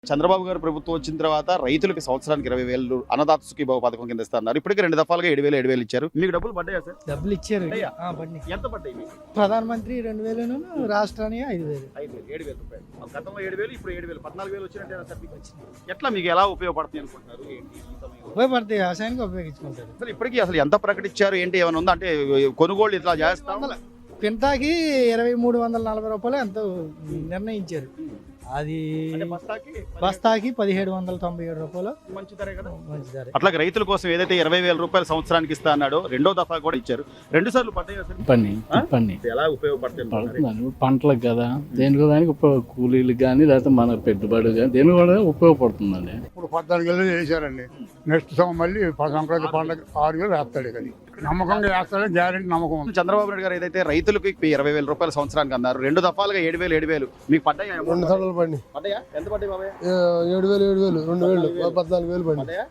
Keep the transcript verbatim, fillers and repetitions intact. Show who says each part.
Speaker 1: చంద్రబాబు గారు ప్రభుత్వం వచ్చిన తర్వాత రైతులకు సంవత్సరానికి ఇరవై వేలు అన్నదాత సుఖీభావ పథకం కింద ఇస్తున్నారు. ఇప్పటికే రెండు దఫాలుగా ఏడు వేలు ఏడు వేలు ఇచ్చారు. మీకు డబ్బులు పడ్డాయా సార్?
Speaker 2: డబ్బులు ఇచ్చారు.
Speaker 1: పడ్డాయా?
Speaker 2: ఆ, పడ్డాయి.
Speaker 1: ఎంత పడ్డాయి మీకు?
Speaker 2: ప్రధానమంత్రి రెండు వేలు రాష్ట్రానికి ఐదు వేలు
Speaker 1: ఐదు వేలు ఏడు వేల రూపాయలు. గతంలో ఏడు వేలు ఇప్పుడు ఏడు వేలు పద్నాలుగు వేలు వచ్చినట్టే సార్ మీకు వచ్చింది. ఎట్లా మీకు ఎలా ఉపయోగపడుతుంది అనుకుంటున్నారు? ఏంటి ఈ సమయంలో?
Speaker 2: ఉపయోగపడతాయి, వ్యవసాయానికి ఉపయోగించుకుంటారు.
Speaker 1: అసలు ఇప్పటికీ అసలు ఎంత ప్రకటించారు ఏంటి ఏమైనా ఉందా? అంటే కొనుగోలు ఇట్లా చేస్తాం
Speaker 2: పింటాకి ఇరవై మూడు వందల నలభై రూపాయలు ఎంతో నిర్ణయించారు. అది
Speaker 1: అంటే బస్తాకి
Speaker 2: బస్తాకి పదిహేడు వందల తొంభై ఏడు రూపాయలు
Speaker 1: మంచి ధరే కదా.
Speaker 2: మంచి ధర.
Speaker 1: అట్లాగే రైతుల కోసం ఏదైతే ఇరవై వేల రూపాయలు సంవత్సరానికి ఇస్తా అన్నాడో రెండో దఫా కూడా ఇచ్చారు. రెండు సార్లు పడ్డాయా సార్?
Speaker 3: పని పని
Speaker 1: ఎలా ఉపయోగపడుతుంది?
Speaker 3: పడుతుంది పంటలకు కదా, దేనికి దానికి ఉపయోగ కూలీలకు కానీ లేకపోతే మన పెట్టుబడి కానీ దేనికి కూడా ఉపయోగపడుతుందండి.
Speaker 4: ఇప్పుడు పద్నాలుగు వేలు చేశారండి. నెక్స్ట్ సంవత్సరం మళ్ళీ సంక్రాంతి పండుగ ఆరు వేలు వేస్తాడు ఇక నమ్మకంగా వేస్తాడని గ్యారెంటీ నమ్మకం ఉంది.
Speaker 1: చంద్రబాబు నాయుడు గారు ఏదైతే రైతులకు ఇరవై వేల రూపాయలు సంవత్సరానికి అన్నారు, రెండు దఫాలుగా ఏడు వేలు ఏడు వేలు మీకు పడ్డాయా?
Speaker 5: రెండు సార్లు పడి
Speaker 1: పడ్డాయా? ఎంత పడ్డాయి బాబాయ్?
Speaker 5: ఏడు వేలు ఏడు వేలు రెండు వేలు పద్నాలుగు వేలు పడి
Speaker 1: పడ్డాయా?